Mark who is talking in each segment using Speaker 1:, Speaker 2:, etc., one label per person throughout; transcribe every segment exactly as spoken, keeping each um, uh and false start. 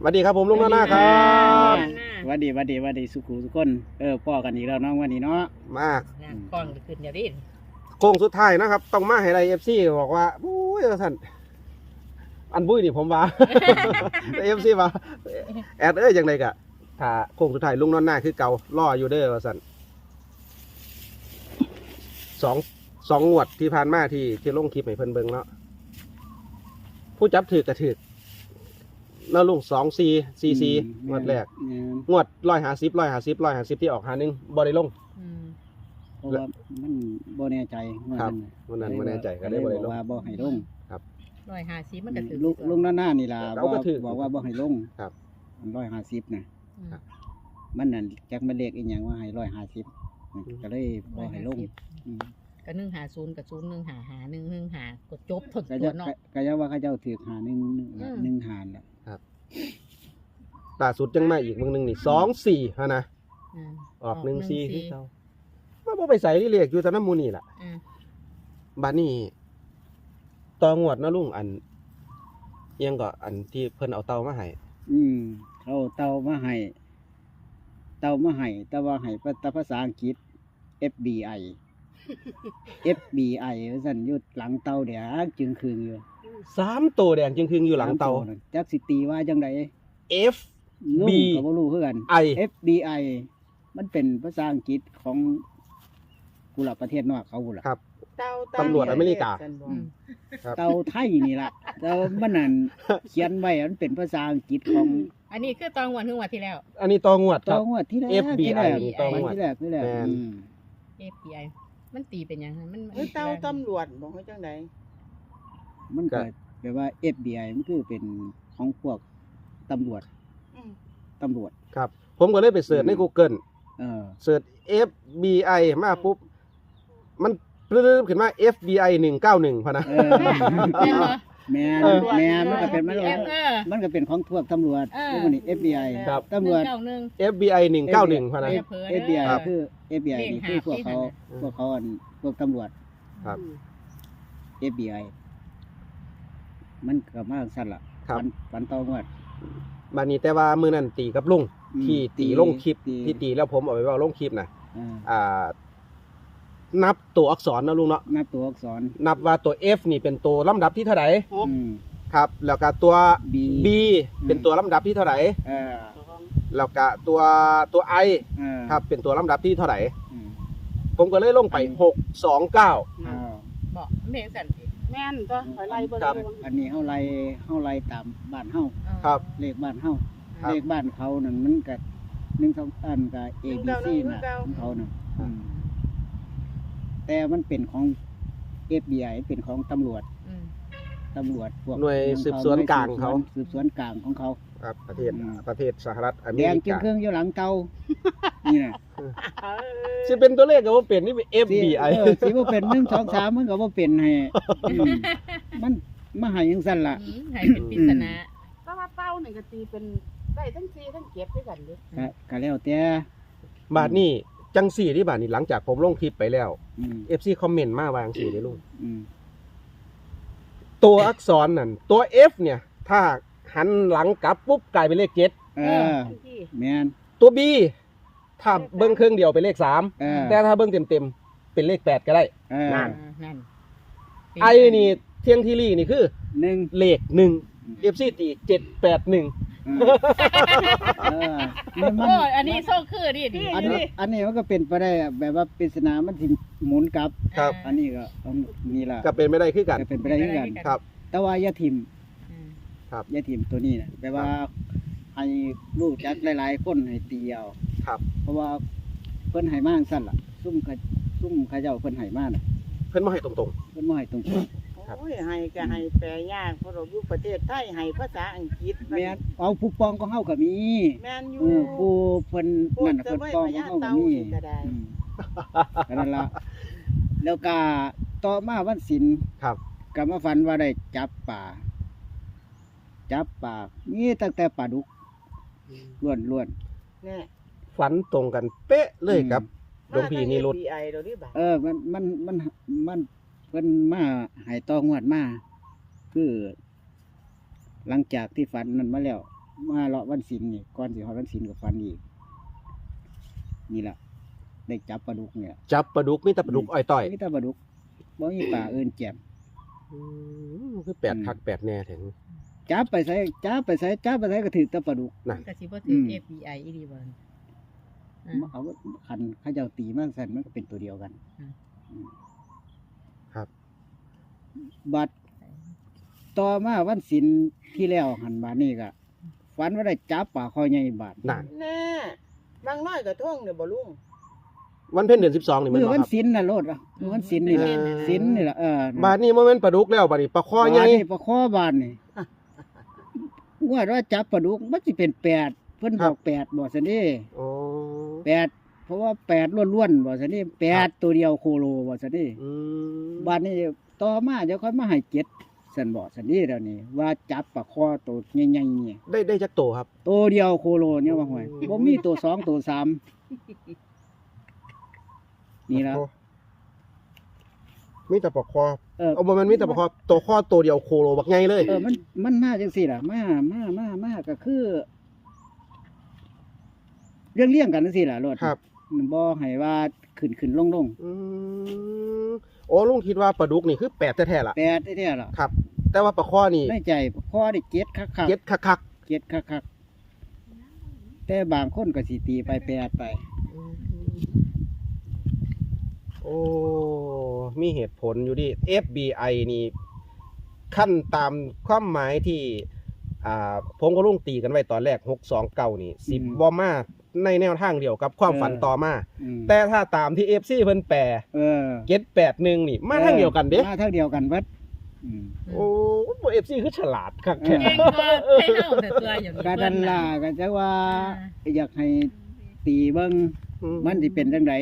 Speaker 1: สวัสดีครับผมลุงน้าหน้าครับ
Speaker 2: สวัสดีสวัสดีสวัสดีสุขุทุกคนเออพ่อกันอีกแล้วน้องวันนี้เนาะ
Speaker 1: มาก
Speaker 3: กล้องขึ้นอย่าดิ้น
Speaker 1: โค้งสุดท้ายนะครับต้องมาให้ไรเอฟซีบอกว่าบุ้ยท่านอันบุ้ยนี่ผมว่าเอฟซีว่าแอดเอ้ยยังไงกะถ้าโค้งสุดท้ายลุงน้าหน้าคือเก่าล่ออยู่เด้อว่าสันสองสองงวดที่ผ่านมาที่ที่ลงคลิปให้เพิ่นเบิ่งเนาะผู้จับถือกระถือน่าลุงสองซีซีซีงวดแรกงวดร้อยหาสิบร้อยหาสิบร้อยหาสิบที่ออกหาหนึ่งบอได้ลง
Speaker 2: เพราะว่ามันบ่แน่ใจ
Speaker 1: ครับวันนั้นบ่แน่ใจก็ได้บ่ได้ลง
Speaker 2: ว่าบ่ให้ลง
Speaker 1: ครับ
Speaker 3: ร้อยหาสิบมันก็ถือ
Speaker 2: ลุงลุงหน้านี่ล่ะบอกว่าบ่ให้ลง
Speaker 1: ครับ
Speaker 2: ร้อยห้าสิบนะมันนั่นจักมันเลขอีหยังว่าให้ร้อยห้าสิบก็เลยบ่ให้ลง
Speaker 3: ก็หนึ่งหาศูนย์กับศูนย์หนึ่งหาหาหนึ่งหนึ่งหากดจบทน
Speaker 2: ตั
Speaker 3: ตัวเนาะ
Speaker 2: ก็จะว่าเขาเจ้าถือหาหนึ่งหนึ่งหาแหละ
Speaker 1: ครับล่าสุดยังมาอีกมึงหนึ่งนี่สองสี่ฮะนะออกหนึ่งสี่ที่เขามาบ่ไปใส่ที่เรียกอยู่แต่น้ำมูนี่แหละบ้านนี้ตองวดนะลุงอันยังก็อันที่เพิ่นเอาเตามาให้
Speaker 2: อืมเขาเตามาให้เตามาให้แต่ว่าให้ภาษาอังกฤษ เอฟ บี ไอ เอฟ บี ไอ ว่าซั่นอยู่หลังเตาเดี๋ยวจึงคืนอยู่
Speaker 1: สามตัวแดงจึงคืนอยู่หลังเตา
Speaker 2: จักสิตีว่าจังได
Speaker 1: F B
Speaker 2: ก็บ่รู้คือกัน
Speaker 1: I
Speaker 2: เอฟ บี ไอ มันเป็นภาษาอังกฤษของกุหลาบประเทศนอกเขากุหลาบ
Speaker 1: ครับตำรวจอเมริกา
Speaker 2: เตาไทยนี่ล่ะแต่มันนั่นเขียนไว้มันเป็นภาษาอังกฤษของ
Speaker 3: อันนี้คือตองวันถึงวันที่แล้ว
Speaker 1: อันนี้ตองวด
Speaker 2: ตองวดที่แรก
Speaker 1: F B I ตองวด
Speaker 2: ที่แรกที่แรก
Speaker 3: เอฟ บี ไอ มันตีเป็นยังไงมัน
Speaker 4: เตาตำรวจบอกให้จังได
Speaker 2: มันก็แปลว่า เอฟ บี ไอ มันคือเป็นของพวกตำรวจตำรวจ
Speaker 1: ครับผมก็เลยไปเสิร์ชใน Google
Speaker 2: เออ
Speaker 1: เสิร์ช เอฟ บี ไอ มาปุ๊บมันปลื้มขึ้นมา เอฟ บี ไอ หนึ่งเก้าหนึ่งพะนะ
Speaker 2: แม่แม่มันก็เป็นมันมันก็เป็นของพวกตำรวจพวกนี้ เอฟ บี ไอ ตำรวจ
Speaker 1: เอฟ บี ไอ หนึ่งเก้าหนึ่งพะนะ
Speaker 2: เอฟ บี ไอ คือ เอฟ บี ไอ นี่คือพวกเขาพวกเขาพวกตำรวจ
Speaker 1: ครับ
Speaker 2: เอฟ บี ไอ มันก็มาสั่นล่ะฝันฝันตองวด
Speaker 1: บัดนี้แต่ว่ามื้อนั้นตีกับลุงที่ตีลงคลิปที่ตีแล้วผมเอาไปเว้าลงคลิปน่ะอ่านับตัวอักษรนะลุงเนาะ
Speaker 2: นับตัวอักษร
Speaker 1: นับว่าตัว F นี่เป็นตัวลำดับที่เท่าไหร่ครับแล้วก็ตัว
Speaker 2: B
Speaker 1: B เป็นตัวลำดับที่เท่าไหร่แล้วก็ตัวตัว I ครับเป็นตัวลำดับที่เท่าไหร่ผมก็เลยลงไปหกสองเก้า
Speaker 3: บอกแม่สั่น
Speaker 4: แม่นตัวหอยไล่เบิ่ง
Speaker 2: อันนี้เฮาไล่เฮาไล่ตามบ้านเฮา
Speaker 1: ครับ
Speaker 2: เลขบ้านเฮาเลขบ้านเขานั่นมันก็หนึ่ง สองอันก็ A B C น่ะของเขาน่ะแต่มันเป็นของ เอฟ บี ไอ เป็นของตำรวจตำรวจพวก
Speaker 1: หน่วยสืบสวนกลางเขา
Speaker 2: สืบสวนกลางของเขา
Speaker 1: ครับประเทศประเทศสหรัฐอเมริกา
Speaker 2: แดงเเครื่องอยู่หลังเตานี่น่ะ
Speaker 1: สิเป็นตัวเลขก็บ่เป็นนี่เป็น เอฟ บี ไอ
Speaker 2: เออสิบ่เป็นหนึ่ง สอง สามมันก็บ่เป็นให้มันมาให้จังซั่นล่ะ
Speaker 3: ให้เป็นปริศนา
Speaker 4: แต่ว่าเต้านี่ก็ตีเป็นได้ทั้งสี่ทั้งเจ็ดด้วยกันดิ
Speaker 2: ก็ก็แล้วแต่
Speaker 1: บาดนี้จังสี่ที่บาดนี้หลังจากผมลงคลิปไปแล้ว เอฟ ซี คอมเมนต์มาวางสี่ได้ลุงตัวอักษรนั่นตัว F เนี่ยถ้าหันหลังกลับปุ๊บกลายเป็นเลขเจ็ด
Speaker 2: เออแม่น
Speaker 1: ตัว B ถ้าเบิ้งเครื่องเดียวเป็นเลขสามแต่ถ้าเบิ้งเต็มๆเป็นเลขแปดก็ได้นั่นไอนี่เที่ยงที่รี่นี่คือ
Speaker 2: หนึ่ง
Speaker 1: เลขหนึ่ง เอฟ ซี ตีเจ็ดแปดหนึ่ง
Speaker 3: โอ้อันนี้โซ่คือดิ
Speaker 2: อันนี้อันนี้มันก็เป็นไปได้แบบว่าปริศนามันสิหมุนกลับ
Speaker 1: ครับ
Speaker 2: อันนี้ก็นี่ล่ะ
Speaker 1: ก็เป็นไม่ได้คือกัน
Speaker 2: เป็นไปได้คือกัน
Speaker 1: ครับ
Speaker 2: แต่ว่ายาทิม
Speaker 1: ครับ
Speaker 2: ยาทิมตัวนี้น่ะแปลว่าให้รู้จักหลายๆคนให้ตีเอา
Speaker 1: ครับ
Speaker 2: เพราะว่าเพิ่นให้มาจังซั่นล่ะซุ่มซุ่มเขาเจ้าเพิ่นให้มาน่ะ
Speaker 1: เพิ่นบ่ให้ตรง
Speaker 2: ๆเพิ่นบ่ให้ตรงๆ
Speaker 4: โอ้ยให้ก็ให้แปลยากเพราะเราอยู่ประเทศไทยให้ภาษาอังกฤษ
Speaker 2: แม่นเอาผู้ปองของเฮาก็มี
Speaker 4: แม่นอยู่
Speaker 2: เออผู้เพิ่นนั่นน่ะเพิ่นปองของเฮาก็มี
Speaker 4: ก็ได้
Speaker 2: ก็นั่นล่ะแล้วก็ต่อมาวันศิลป์
Speaker 1: ครับ
Speaker 2: ก็มาฝันว่าได้จับปลาจับปลามีตั้งแต่ปลาดุกล้วน
Speaker 4: ๆแน่
Speaker 1: ฝันตรงกันเป๊ะเลยครับหลวงพี่นิรุต
Speaker 2: เออมันมันมันมันเพิ่นมาให้ตองวดมาคือหลังจากที่ฝันนั้นมาแล้วมาเลาะวันศีลนี่ก่อนสิฮอดวันศีลก็ฝันอีกนี่ล่ะได้จับปลาดุกเนี่ย
Speaker 1: จับปลาดุกมีแต่ปลาดุกอ้อยต่อย
Speaker 2: มีแต่ปลาดุกบ่มีปลาเอิ้นแจ่ม
Speaker 1: อืมคือแปดคักแปดแน่ถึง
Speaker 2: จับไปใส่จับไปใส่จับไปใส่ก็ถือแต่ปลาดุก
Speaker 1: นั่น
Speaker 3: ก็สิบ่ถือ
Speaker 2: ม
Speaker 3: เอฟ บี ไอ อีดีบ่อ่า
Speaker 2: เอาคันเขาเจ้าตีมากสั่นมันก็เป็นตัวเดียวกัน
Speaker 3: อืม
Speaker 2: อืม
Speaker 1: ครับ
Speaker 2: บัดต่อมาวันศีลที่แล้วหันบาดนี้ก็ฝันว่าได้จับปลาคอใหญ่บาด
Speaker 1: นั่น
Speaker 4: แน่บางน้อยก็ท่องเด้อบ่ลุง
Speaker 1: วันเพ็ญเดือนสิบสองนี่แมั
Speaker 2: มื้
Speaker 1: น
Speaker 2: อ
Speaker 1: บ่
Speaker 2: วัน
Speaker 1: ครับ
Speaker 2: ศีลน่ะโลดอ่ะมื้อวันศีลนี่ล่ะ
Speaker 1: เออ
Speaker 2: ศีลนี่ล่ะเออบ
Speaker 1: าดนี้บ่แม่นปลาดุกแล้วบาดนี้ปลาคอใหญ่
Speaker 2: บาดนี้ปลาคอบาดนี่ว่าว่าจับปลาดุกมันสิเป็นแปดเพิ่นบอกแปดบ่ซั่นเด้
Speaker 1: โอ้
Speaker 2: แปดเพราะว่าแปดล้วนๆบ่ซั่นเด้แปดตัวเดียวโคโลบ่ซั่นเด้
Speaker 1: อืม
Speaker 2: บาดนี้ต่อมาเดี๋ยวค่อยมาให้เจ็ดซั่นบ่ซั่นเด้แล้วนี่ว่าจับปลาคอตัวใหญ่ๆนี่
Speaker 1: ได้ได้จักโตครับ
Speaker 2: ตัวเดียวโคโลเนี่ยว่าห่วยบ่มีตัวสองตัวสามนี่ล่ะ
Speaker 1: มีแต่ปลาคอ
Speaker 2: เออ
Speaker 1: เอาบ่แม่นมีแต่ปลาคอตัวคอตัวเดียวโคโลบักใหญ่เลย
Speaker 2: เออมันมันมาจังซี่ล่ะมามามามาก็คือ เรื่องเลี้ยงกันจังซี่ล่ะรถ
Speaker 1: ครับ
Speaker 2: บ่ให้ว่าขึ้นขึ้นลงลง
Speaker 1: อืมโอ้ลุงคิดว่าปลาดุกนี่คือแปดแท้ๆล่ะ
Speaker 2: แปดแท้ๆล่ะ
Speaker 1: ครับ แต่ว่าปลาคอนี่
Speaker 2: ในใจพอได้เจ็ดคักๆ
Speaker 1: เจ็ดคัก
Speaker 2: เจ็ดคักๆแต่บางคนก็สิตีไปแปดไป
Speaker 1: ๆโอ้มีเหตุผลอยู่ดิ เอฟ บี ไอ นี่ขั้นตามความหมายที่อ่าผมก็ลุงตีกันไว้ตอนแรกหกสองเก้านี่สิบบ่มาในแนวทางเดียวกับความฝันต่อมา
Speaker 2: อืม
Speaker 1: แต่ถ้าตามที่ เอฟ ซี เพิ่นแปล
Speaker 2: เออ
Speaker 1: เจ็ดแปดหนึ่งนี่มาทางเดียวกันเด้
Speaker 2: มาทางเดียวกันเบิดอืม
Speaker 1: โอ้บ่ เอฟ ซี คือฉลาดคักแท้
Speaker 3: เก่งก็ให้เฮาแต่ตัวอย่างนี้
Speaker 2: กาดันล่าก็จะว่า อยากให้ตีเบิ่ง
Speaker 1: อื
Speaker 2: มันสิเป็นจังได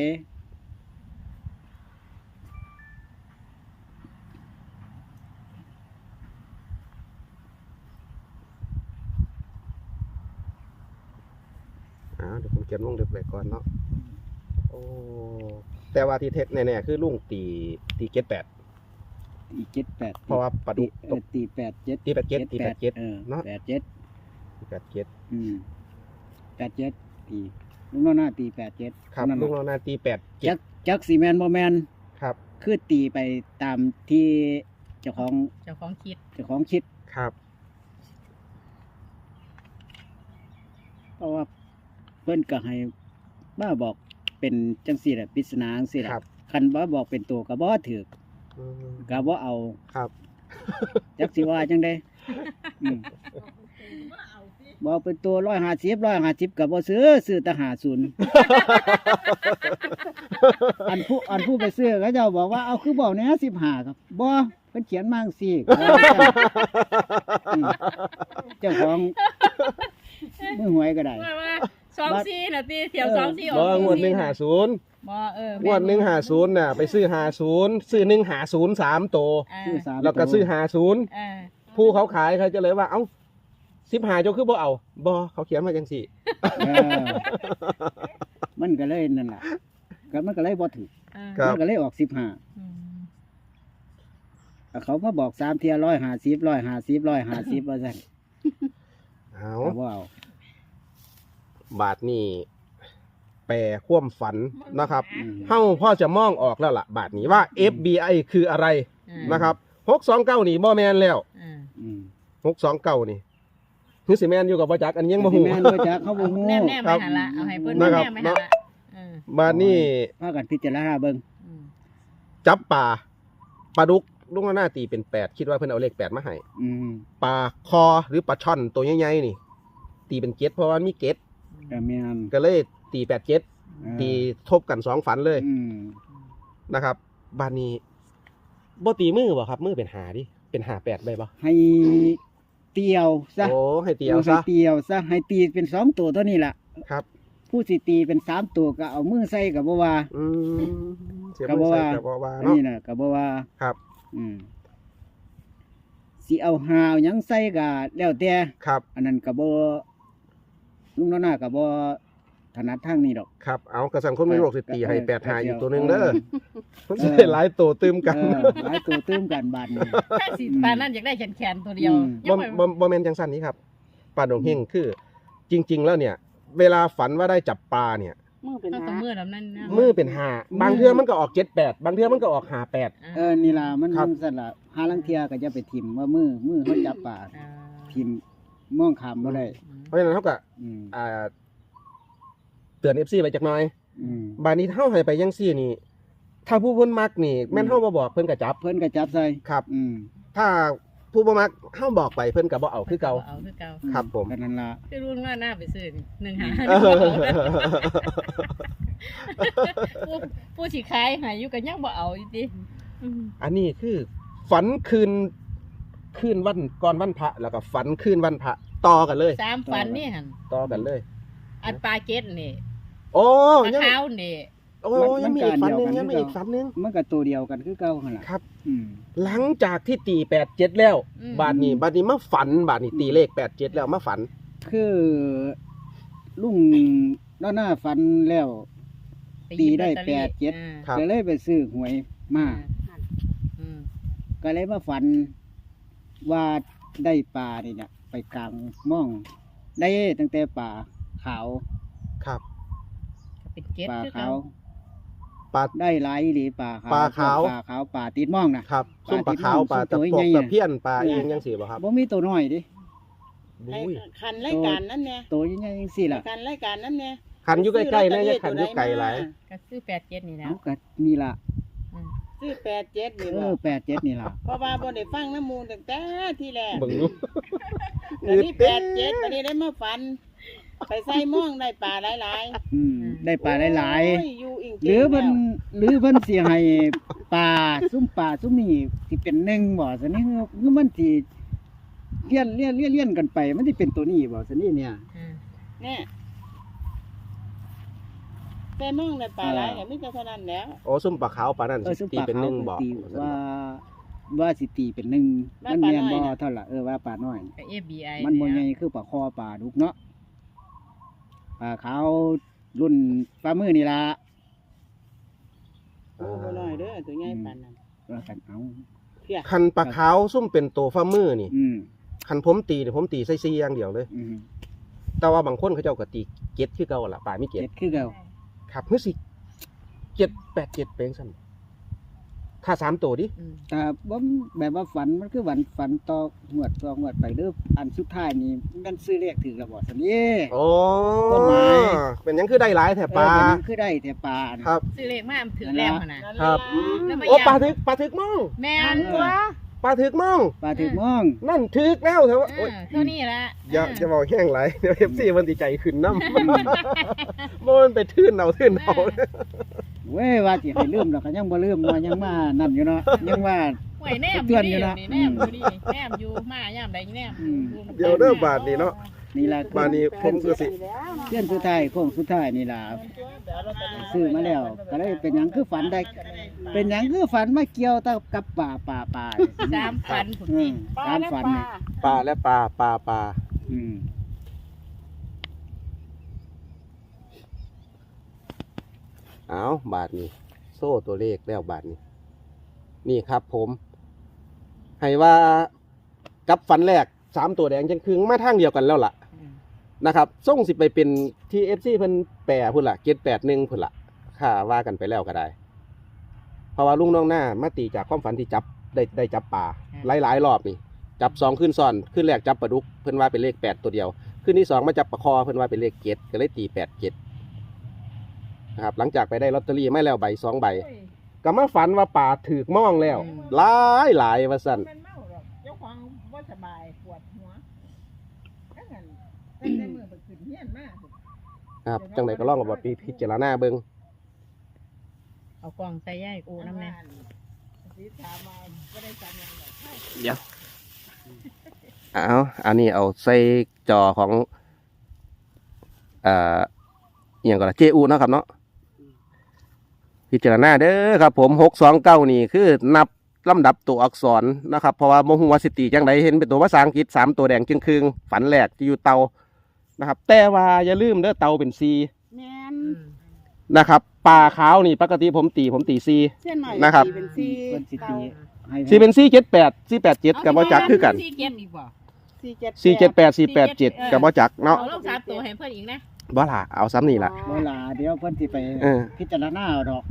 Speaker 1: อ่าเดี๋ยวผมเขียนวงเล็บไว้ก่อนเนาะโอ้แต่ว่าที่เท็จแน่ๆคือลุงตีตีเจ็ดแปด
Speaker 2: ตีเจ็ดแปด
Speaker 1: เพราะว่าปลาดุก
Speaker 2: เออตีแปดเจ็ด
Speaker 1: ตีแปดเจ็ดตีแปดเจ็ด
Speaker 2: เออ
Speaker 1: เนาะ
Speaker 2: แปดเจ็ด
Speaker 1: ตีแปดเจ็ด
Speaker 2: อืมแปดเจ็ดตีลุงน้องหน้าตีแปดเจ็ด
Speaker 1: ครับ
Speaker 2: นั่น
Speaker 1: ลุ
Speaker 2: น่ะ
Speaker 1: งเรานาตีแปดเจ็
Speaker 2: จั
Speaker 1: ด
Speaker 2: กจักสีแมนบ่แมน
Speaker 1: ครับ
Speaker 2: คือตีไปตามที่เจ้าของ
Speaker 3: เจ้าของคิด
Speaker 2: เจ้าของคิด
Speaker 1: ครับ
Speaker 2: เพราะว่าเพิ่นก็ให้บ้าบอกเป็นจังสี่แหละปริศนาจังสี่แหละ
Speaker 1: ครับ
Speaker 2: คันบ่บอกเป็นตัวก็บ่ถือ
Speaker 1: อืม
Speaker 2: ก็บ่เอา
Speaker 1: ครับ
Speaker 2: จักสิว่าจังได๋อืมบอกเป็นตัวร้อยห้าสิบร้อยห้าสิบก็บ่ซื้อซื้อแต่ห้าศูนย์ อันผู้อันผู้ไปซื้อเขาเจ้าบอกว่าเอาคือบอกแหน่สิบห้าครับบ่เพิ่นเขียนมาจังซี่ก็ว่าจังอืมเจ้าของมือหวยก็ได้
Speaker 3: ว่าว่าสองสี่น่ะติเที่ยวสองสี่ออก
Speaker 1: บ่งวดหนึ่ง
Speaker 3: สี่
Speaker 1: หาศูนย์
Speaker 3: บ่เออง
Speaker 1: วดหนึ่งหาศูนย์น่ะไปซื้อหาศูนย์ซื้อหนึ่งหาศูนย์สามตัว
Speaker 3: อ่า
Speaker 2: ซื้อสาม
Speaker 1: แล้วก็ซื้อหาศูนย์
Speaker 3: อ่า
Speaker 1: ผู้เขาขายเขาจะเลยว่าเอ้าสิบหาเจ้าคือบ่เอาบ่เขาเขียนมาจังสี่
Speaker 2: เออมันก็เลยนั่นล่ะก็มันก็เลยบ่ถูก
Speaker 3: อ่า
Speaker 1: ครับ
Speaker 2: มันก็เลยออกสิบห้า
Speaker 3: อืม
Speaker 2: เขามาบอกสามเทียร้อยห้าสิบร้อยห้าสิบร้อยห้าสิบว่าซั่น
Speaker 1: เอา
Speaker 2: ก็บ่เอา
Speaker 1: บาทนี่แปรความฝันนะครับ
Speaker 2: อืม
Speaker 1: เฮาพ่อจะมองออกแล้วล่ะ บาทนี้ว่า เอฟ บี ไอ คืออะไร
Speaker 3: อ่า
Speaker 1: นะครับหกสองเก้านี่บ่แมนแล้ว
Speaker 3: อ่า
Speaker 2: อืม
Speaker 1: หกสองเก้านี่คือสิแมนอยู่กับบ่จักอันนี้ยังบ่ฮู้
Speaker 2: แม่นบ่จักเขาบ่ฮู้
Speaker 3: แนมแนมไปหาละเอาให้เพิ่น
Speaker 1: นะ
Speaker 3: แน
Speaker 1: ครับ
Speaker 3: มไปหาละเออบ
Speaker 1: าทนี่
Speaker 2: พากันพิจารณาเบิ่ง
Speaker 3: อืม
Speaker 1: จับปลาปลาดุกลุงหน้าตีเป็นแปดคิดว่าเพิ่นเอาเลขแปดมาให้
Speaker 2: อืม
Speaker 1: ปลาคอหรือปลาช่อนตัวใหญ่ๆนี่ ตีเป็นเจ็ดเพราะว่ามีเจ็ด
Speaker 2: ก็แม่น
Speaker 1: ก็เลยตีแปดเจ็ด
Speaker 2: เออ
Speaker 1: ตีทบกันสองฝันเลย
Speaker 2: อืม
Speaker 1: นะครับบานนี้บ่ตีมือบ่ครับมือเป็นหาดิเป็นหาแปดได้บ่
Speaker 2: ให้เตียวซะ
Speaker 1: โอ้ให้ตีเอา
Speaker 2: ให้
Speaker 1: ซะ
Speaker 2: เตียวซะให้ตีเป็นสองตัวเท่านี้ล่ะ
Speaker 1: ครับ
Speaker 2: ผู้สิตีเป็นสามตัวก็เอามือใส่ก็บ่ว่า
Speaker 1: อืมเสีย
Speaker 2: ก็
Speaker 1: มื
Speaker 2: บ่
Speaker 1: อใส่
Speaker 2: ว่า
Speaker 1: กับบ่ว่า
Speaker 2: อัน
Speaker 1: เนาะ
Speaker 2: นี้น่ะก็บ่ว่า
Speaker 1: ครับ
Speaker 2: อืมสิเอาหาวหยังใส่ก็แล้วแต่
Speaker 1: ครับ
Speaker 2: อันนั้นก็บ่ลุงน้อยหน้าก็บ่ถนัดทางนี้ดอก
Speaker 1: ครับเอากระสังคนไม่โรคสิตีให้
Speaker 2: เออ
Speaker 1: แปดหา
Speaker 2: เดี๋
Speaker 1: อี
Speaker 2: ยว
Speaker 1: กตัวหนึงเด้อ
Speaker 2: เออ
Speaker 1: มันสิได้หลายตัวตืมกัน
Speaker 2: เออหลายตัวตื้มกันบาดนี้
Speaker 3: ถ้าสิปานนั้นอยากได้แขนๆตัวเดียว
Speaker 2: อืม
Speaker 3: ยั
Speaker 1: บ่
Speaker 3: งไม่
Speaker 1: บ่บ่แม่นจังซั่นนี้ครับปลาดงเฮงคือ จริง ๆ แล้วเนี่ย เวลาฝันว่าได้จับปลาเนี่ย
Speaker 4: มือเป็น
Speaker 3: ถ้า
Speaker 4: หา
Speaker 3: สมมือแบบนั้นนะ
Speaker 1: มือเป็นห้าบางเทื่อมันก็ออกเจ็ดแปดบางเทื่อมันก็ออกห้าแปด
Speaker 2: เออนี่ล่ะมัน
Speaker 1: ครับ
Speaker 2: มันสั่นล่ะหาลังเทียก็จะไปทิ่มว่ามือมือเขาจับปลา
Speaker 3: อ่า
Speaker 2: ทิ่มมองขามบ่ได้
Speaker 1: เพราะฉะนั้นเขาก็
Speaker 2: อืม
Speaker 1: อ่าเตือน เอฟ ซี ไปจักหน่อย
Speaker 2: อืม
Speaker 1: บานนี้เฮาให้ไปจังซี่นี่ ถ้าผู้เพิ่นมักนี่แม่นเฮาบ่บอกเพิ่นก็จับ
Speaker 2: เพิ่นก็จับใส่
Speaker 1: ครับ
Speaker 2: อืม
Speaker 1: ถ้าผู้บ่มักเฮาบอกไปเพิ่นก็บ่เอาคือเก่า
Speaker 3: เอาคือเก่า
Speaker 1: ครับผม
Speaker 2: ก็นั่นล่ะ
Speaker 3: คือรุ่นว่าหน้าไปซื้อนี่หนึ่งหา
Speaker 1: เออ
Speaker 3: ผู้ผู้สิขายใหายอยู่กันยังบ่เอาอีติอืม
Speaker 1: อันนี้คือฝันคืนคืนวันก่อนวันพระแล้วก็ฝันคืนวันพระต่อกันเลย
Speaker 3: สามฝันนี่หั่น
Speaker 1: ต่อกันเลย
Speaker 3: อันปลาเก็ดนี่
Speaker 1: โอ้
Speaker 3: ปลา
Speaker 1: ยัง
Speaker 3: ขาวนี่
Speaker 1: โอ้ยังมีอีกฝันหนึงยังมีอีกฝันหนึง
Speaker 2: มันก็ตัวเดียวกันคือเก่าหั่นล่ะ
Speaker 1: ครับ
Speaker 2: อืม
Speaker 1: หลังจากที่ตีแปดเจ็ดแล้ว
Speaker 3: อืม
Speaker 1: บาดนี้บาดนี้มาฝันบาดนี้ตีเลขแปดเจ็ดแล้วมาฝัน
Speaker 2: คือลุงด้านหน้าฟันแล้ว
Speaker 3: ปหยิบ
Speaker 2: ตีได้
Speaker 3: ลอตตอรี่
Speaker 2: แปดเจ็ด
Speaker 3: อ่า
Speaker 1: ครับ
Speaker 2: ก็เลยไปซื้อหวยมา
Speaker 3: อืม
Speaker 2: ก็เลยมาฝันว่าได้ปลานี่เนี่ยไปกลางม่อง ได้ตั้งแต่ปลาขาว
Speaker 1: ครับ
Speaker 3: ก็เป็นเก็ด
Speaker 2: ปลา
Speaker 3: คือ
Speaker 2: ขา
Speaker 3: เก่าว
Speaker 1: ปลา
Speaker 2: ได้หลายหรือปลาขาว
Speaker 1: ปลาขาว
Speaker 2: ปลาขาวปลาติดม่องนะครับ
Speaker 1: ส้มปลาขาวปลาตะ
Speaker 2: ตัว
Speaker 1: ป
Speaker 2: ใหญ่
Speaker 1: ก
Speaker 2: ๆ
Speaker 1: ตะเพี้ยนปลาเองยังสิบ่ครับ
Speaker 2: บ่มีตัวน้อยดิ
Speaker 1: บุ้ย
Speaker 4: คันรายการนั้นเนี่ย
Speaker 2: ตัวใหญ่ๆจังซี่ล่ะ
Speaker 4: คันรายการนั้นเนี่ย
Speaker 1: ขันอยู่ใกล้ๆนะอย่าขันอยู่ไกลหลาย
Speaker 3: ก็ซื้อแปดเจ็ดนี่แหล้
Speaker 2: เอา
Speaker 3: ว
Speaker 2: ก็นี่ล่ะ
Speaker 3: อืม
Speaker 4: ซื้อแปดเจ็ดนี่
Speaker 2: เอ
Speaker 4: บ่
Speaker 2: อแปดเจ็ดนี่ล่ะ
Speaker 4: เพราะว่าบ่ได้ฟังน้ำมูลตั้งแต่ที่แรก
Speaker 1: เบิ่งดู
Speaker 4: อันนี้แปดเจ็ดวันนี้ได้มาฟัน ไปใส่ม่องได้ปลาหลาย
Speaker 2: อืมได้ปลาหลาย
Speaker 4: ๆ
Speaker 2: ๆ
Speaker 4: โอ้อยู่อิง
Speaker 2: หรือเพิ่นหรือเพิ่นสิให้ปลาซุ่มปลาซุ่มนี่สิเป็นหนึ่งบ่ซั่นนี่คือมันสิเลี้ยนเลี้ยนเลี้ยนเลี้ยนกันไป มันสิเป็นตัวนี้บ่ซั่นนี่เนี่ย
Speaker 3: อืม
Speaker 4: เนี่ยใส่ม่องได้ปลาหลายก็มีแต่เท่านั้นแล้ว
Speaker 1: โอ้ส้มปลาขาวปลานั่น
Speaker 2: เออซุ่ม
Speaker 1: ตี
Speaker 2: ปลา
Speaker 1: เป็นห
Speaker 2: เขา
Speaker 1: นึ่งบอก
Speaker 2: ตีว่าว่าสิตีเป็นหนึ่ง
Speaker 4: ว่า
Speaker 2: มัน
Speaker 4: ปลา
Speaker 2: แม่น
Speaker 4: น้
Speaker 2: บ่
Speaker 4: อยน่ะ
Speaker 2: เท่าล่ะเออว่าปลาน้อย
Speaker 3: ก็ เอ ฟ บี ไอ
Speaker 2: มันบ่ใหญ่คือปลาคอปลาดุกเนาะปลาขาวรุ่นปลามือนี่ล่ะ
Speaker 4: โอ้บ่น้อยเด้อตัวใหญ่ปานนั้น
Speaker 2: ว่ากันเอา
Speaker 4: เพีย
Speaker 1: คันปลาขาวส้มเป็นตัวฟ้ามือนี่
Speaker 2: อืม
Speaker 1: คันผมตีเนี่ยผมตีใส่ซีอย่างเดียวเลย
Speaker 2: อืม
Speaker 1: แต่ว่าบางคนเขาเจ้าก็ตีเก็ดคือเก่าล่ะปลาไม่เก็ด
Speaker 2: เจ็ดคือเก่า
Speaker 1: ครับเมื่อสิเจ็ดแปดเจ็ดเป็นสั่นถ้าสามตัวดิ
Speaker 3: อืม
Speaker 2: แต่บ่แบบว่าฝันมันคือฝันฝันต่อหวดต่อหวดไปเด้ออันสุดท้ายนี่มันซื้อเลขถึงแล้วบ่ซั่นนี่
Speaker 1: โอ้
Speaker 2: ต้นไม้
Speaker 1: เป็นหยังคือได้หลายแถบปลา
Speaker 2: เออมันคือได้แต่ปลาน่ะ
Speaker 1: ครับ
Speaker 3: ซื้อเลขมาถือแล้วหั่นน่ะ
Speaker 1: ครับ
Speaker 3: แล้วมา
Speaker 1: โอ้ปลา
Speaker 3: ย้ำ
Speaker 1: ถึกปลาถึกมอง
Speaker 3: แม่นตัว
Speaker 1: ปลาถึกมอง
Speaker 2: ปลาถึงมอง
Speaker 1: นั่นถึกแล้วเถอะ
Speaker 3: เอ
Speaker 1: โอ้
Speaker 3: อย เท่านี้ละ
Speaker 1: อย่า
Speaker 3: เออ
Speaker 1: จะบอกแห้งไหลเดี๋ยวเอฟซีมันดีใจขึ้นน้ำ มันไปทื่นเอาทื่นเอา
Speaker 2: เว้ยว่าสิให้ลืมแล้วก็ยังบ่ลืมเนาะยังมานั่นอยู่เนาะยังว่า
Speaker 3: หวยแนมอ
Speaker 2: เตื
Speaker 3: ยู่
Speaker 2: อนอยู่
Speaker 3: นี่
Speaker 2: นะ
Speaker 3: นี่แนมอยู่นี่แนมอยู่มายามใดแนม
Speaker 2: อืม
Speaker 1: เดี๋ยวเริ่มบาทนี่เนาะ
Speaker 2: นี่ล่ะ
Speaker 1: บาทนี้ผมก็สิ
Speaker 2: เพื่อนสุดท้ายโค้งสุดท้ายนี่ล่ะซื้อมาแล้ว ก็เลยเป็นหยังคือฝันได้ เป็นหยังคือฝันมาเกี่ยวกับป่าป่าป่า
Speaker 3: สามพันผุน
Speaker 2: อื
Speaker 3: จริ
Speaker 2: ม
Speaker 3: ง
Speaker 4: ปลา
Speaker 2: การ
Speaker 4: และ
Speaker 2: ฝัน
Speaker 4: ปลา
Speaker 2: นี่
Speaker 1: ปลาและปลาปลาปลา
Speaker 2: อืม
Speaker 1: เอาบาทนี้ โซ่ตัวเลขแล้วบาทนี้ นี่ครับผม ให้ว่ากับฝันแรกสามตัวแดงจังคืงมาทางเดียวกันแล้วล่ะ
Speaker 3: อืม
Speaker 1: นะครับส่งสิไปเป็นที่เอฟซีเพิ่นแปรพุ่นละเจ็ดแปดหนึ่งพุ่นละค่าว่ากันไปแล้วก็ได้ เพราะว่าลุงน้องหน้ามาตีจากความฝันที่จับได้ได้จับปลาหลายๆรอบนี่ จับสองขึ้นซ้อนขึ้นแรกจับปลาดุกเพิ่นว่าเป็นเลขแปดตัวเดียวขึ้นที่สองมาจับปลาคอเพิ่นว่าเป็นเลขเจ็ดก็เลยตีแปดเจ็ดนะครับหลังจากไปได้ลอตเตอรี่ไม่แล้วใบสองใบก็มาฝันว่าป่าถือกม่องแล้วหลายหลายว่าสั่น
Speaker 4: เป็นเมาหรอกเจ้าของบ่สบายปวดหัวถ้างั้นเป็นในมือไปขึ้นเฮียนมาก
Speaker 1: ครับจังไดก็ลองกับบปีพิจารณาเบิ่ง
Speaker 3: เอากล่องใส่ย่ายกูน้ำแน่
Speaker 4: สีถามมาบ่ได้จำยังหรอก
Speaker 1: เดี๋ยวเอาอันนี้เอาใส่จอของเอ่ออหย่างก่อนละเจอูเนาะครับเนาะพิจารณาเด้อครับผมหกสองเก้านี่คือนับลำดับตัวอักษรนะครับเพราะว่าโมหัวาสิติจังไดเห็นเป็นตัวภาษาอังกฤษสามตัวแดงจึงคืงฝันแหลกจะอยู่เตานะครับ แต่ว่าอย่าลืมเด้อเตาเป็นซี
Speaker 4: แม่น
Speaker 3: อืม
Speaker 1: นะครับปลาขาวนี่ปกติผมตีผมตีซี
Speaker 4: เส้นหน่อย
Speaker 1: นะครับ
Speaker 4: ตีเป็นซี
Speaker 2: เพิ่นสิตีให้
Speaker 1: ซีเป็นซีเจ็ดแปดซีแปดเจ็ดกับว่าจักคือกัน
Speaker 3: สี่เก็บอีกบ่
Speaker 4: สี่เจ็ด
Speaker 1: สี่เจ็ดแปดสี่แปดเจ็ดก็บ่จักเนาะ
Speaker 3: เอาลงสามตัวให้เพิ่นอีกนะ
Speaker 1: บ่ล่ะเอาซ้ำนี่ล่ะ
Speaker 2: เวลาเดี๋ยวเพิ่นสิไป
Speaker 1: เออ
Speaker 2: พิจารณาเอาดอก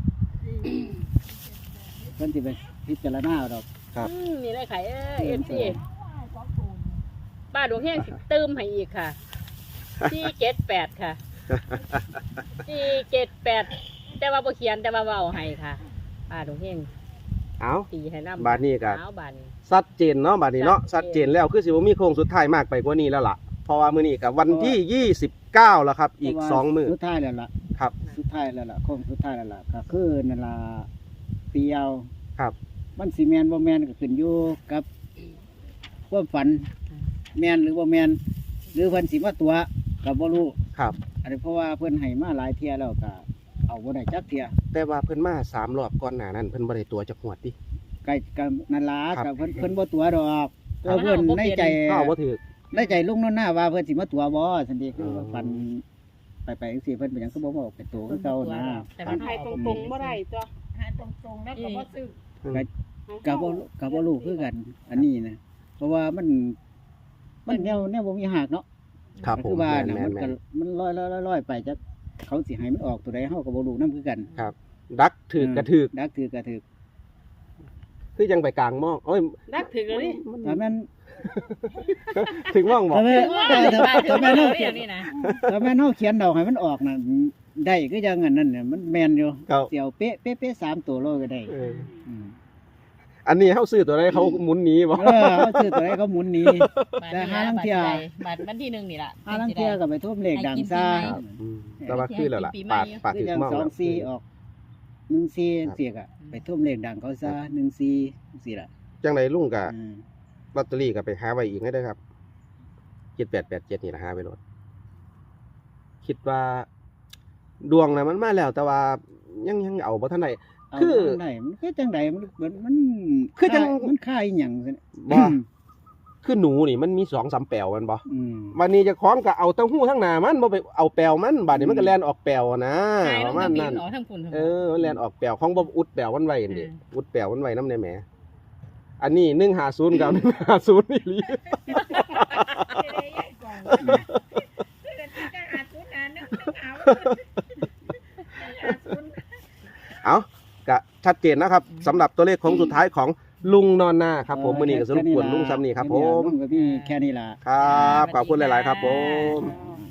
Speaker 2: เพิ่นสิไปพิจารณาเอาดอก
Speaker 1: ครับ
Speaker 3: อืมนี่เลยค่ะเออเอฟซีป้าดวงแห้งสิเติมให้อีกค่ะสี่เจ็ดแปดค่ะสี่เจ็ดแปดแต่ว่าบ่เขียนแต่ว่าเว้าให้ค่ะป้าดวงแห้ง
Speaker 1: เอา
Speaker 3: ตีให้นำ
Speaker 1: บาดนี้ก็
Speaker 3: เอาบาดนี้
Speaker 1: ชัดเจนเนาะบาดนี้เนาะ
Speaker 3: ชั
Speaker 1: ชั
Speaker 3: ด
Speaker 1: ด
Speaker 3: เจ
Speaker 1: เจ
Speaker 3: น
Speaker 1: นแล้วคือสิบ่มีโค้งสุดท้ายมากไปกว่านี้แล้วล่ะเพราะว่ามื้อนี้ก็วันที่ยี่สิบเก้าแล้วครับ อีกสองมื้อ
Speaker 2: สุดท้ายแล้วล่ะ
Speaker 1: ครับ
Speaker 2: สุดท้ายแล้วล่ะโค้งสุดท้ายแล้วล่ะก็คือนั่นล่ะเปียว
Speaker 1: ครับ
Speaker 2: มันสิแม่นบ่แม่นก็ขึ้นอยู่กับความฝันแม่นหรือบ่แม่นหรือเพิ่นสิมาตัวก็บ่รู้
Speaker 1: ครับ
Speaker 2: อันนี้เพราะว่าเพิ่นให้มาหลายเที่ยแล้วก็เอาบ่ได้จักเที่ย
Speaker 1: แต่ว่าเพิ่นมาสามรอบก่อนหน้านั้นเพิ่นบ่ได้ตัวจักหวดติ
Speaker 2: ใกล้กับนั่นล่ะ
Speaker 1: ครับ
Speaker 2: กับเพิ่นเพิ่นบ่ตัวดอกตัวเพิ่นในใจ
Speaker 1: ก็เอาบ่ถูก
Speaker 2: ในใจลุงนั่นหน้าว่าเพิ่นสิมาตัวบ่ซั่นเด้คือ
Speaker 1: อ๋อ
Speaker 2: ว่าฝันไปไปจังซี่เพิ่นเป็นหยังคือบ่บอกเป็นตัวคือเก่านะ
Speaker 3: แต่
Speaker 4: มั
Speaker 3: มัน น
Speaker 4: ให้ตรงๆบ่ได้จ้ะให้ตรงๆแล้วก็บ่ซื้อ
Speaker 2: ก็บ่ก็บ่รู้คือกัน อันนี้นะเพราะว่ามัน มันแนวแนวบ่มีหักเนาะ
Speaker 1: ครับผ
Speaker 2: คื
Speaker 1: ม
Speaker 2: อว่า
Speaker 1: แม่
Speaker 2: น่ะ
Speaker 1: น
Speaker 2: มัน
Speaker 1: แม่
Speaker 2: ก็
Speaker 1: น
Speaker 2: มันลอยๆลอยๆไปจักเขาสิให้มันออกตัวใดเฮาก็บ่รู้นำคือกัน
Speaker 1: ครับ ดักถือกระถือก
Speaker 2: ดักถือกระถือ
Speaker 1: คือยังไปกลางหม้องโอ้ย
Speaker 3: ดักถึงแล้วนี่
Speaker 2: ถ้าแม่น
Speaker 1: ถึงหม้องบ่
Speaker 2: ถ้าแม่น
Speaker 3: ถึง
Speaker 2: ถ้า
Speaker 3: ว่าถึง
Speaker 2: ถ้า
Speaker 3: ว่า
Speaker 2: แม่น
Speaker 3: ถึง
Speaker 2: เฮา
Speaker 3: ว่าเรื่องนี้นะ
Speaker 2: ถ้าแม่นเฮาเขียนดอกให้มันออกน่ะได้คือจังอันนั้นน่ะมันแม่นอยู่
Speaker 1: ครับ
Speaker 2: เสี่ยวเป๊ะเป๊ะเป๊ะสามตัวโลก็ได้
Speaker 1: เออ
Speaker 2: อืม
Speaker 1: อันนี้เฮาซื้อตัวใดเขาหมุนหนีบ่
Speaker 2: เออเขาซื้อตัวไหนเขาหมุนหนี
Speaker 3: บาท
Speaker 2: แต่
Speaker 3: นี้
Speaker 2: ห้า
Speaker 3: ละ
Speaker 2: ลัง
Speaker 3: บาท
Speaker 2: เที่ย
Speaker 3: ใดบาทวันที่หนึ่งนี่ล่ะ
Speaker 2: ห้าลังเที่ยก็ไปทุ่มเลขดังซ่า
Speaker 1: ครับอืมแต่ว่าคือแล้วล่ะปาดปาด
Speaker 2: คือ
Speaker 1: ถึง
Speaker 2: จัง
Speaker 1: หม้อง
Speaker 2: สอง
Speaker 1: แล้ว
Speaker 2: สี่ออกหนึ่งสี่เสียกอะไปทุ่มเลขดังเขาซะหนึ่งสี่สี่ละ
Speaker 1: จังไดลุงก็
Speaker 2: อืม
Speaker 1: ลอตเตอรี่ก็ไปหาไว้อีกให้ได้อครับเจ็ดแปดแปดเจ็ดนี่นะหาไว้โลดคิดว่า ดวงน่ะมันมาแล้ว แต่ว่ายังยังเอาบ่ทันได้
Speaker 2: เอา
Speaker 1: คือ
Speaker 2: จังไดมันคือจังไดมันมันมัน
Speaker 1: คือจัง
Speaker 2: มันค่ายอหย่างซั่น
Speaker 1: บ่ คือหนูนี่มันมีสองสามแปลวแมันบ่
Speaker 2: อืม
Speaker 1: วันนี้เจะคล้าของก็เอาเต้าหู้ทั้งหน้ามันบ่ไปเอาแปลวมันบัดนี้มันก็แล่นออกแปลวนะ
Speaker 3: หาย
Speaker 1: ป
Speaker 3: ล
Speaker 1: ระ
Speaker 3: ง
Speaker 1: มา
Speaker 3: ทะ
Speaker 1: ณ
Speaker 3: เบีย
Speaker 1: นั้น น
Speaker 3: ออกทั้งคุณทั้ง
Speaker 1: เออมันแล่นออกแปลวของบ่อุดแปลวมันไว้นั่นดิ
Speaker 3: อืม
Speaker 1: อุดแปลวมันไว้นำในแหมอันนี้หนึ่งห้าศูนย์กับหนึ่งห้าศูนย์นี่หลี เอาก็ชัดเจนนะครับสำหรับตัวเลขของสุดท้ายของลุงนอนนาครับผมมื้อนี้ก็สรุปผลลุงซ้ำนี่ครับผม
Speaker 2: ลุงก็มีแค่นี้ล่ะ
Speaker 1: ครับขอบคุณหลาย ๆ ครับผม
Speaker 2: อ่า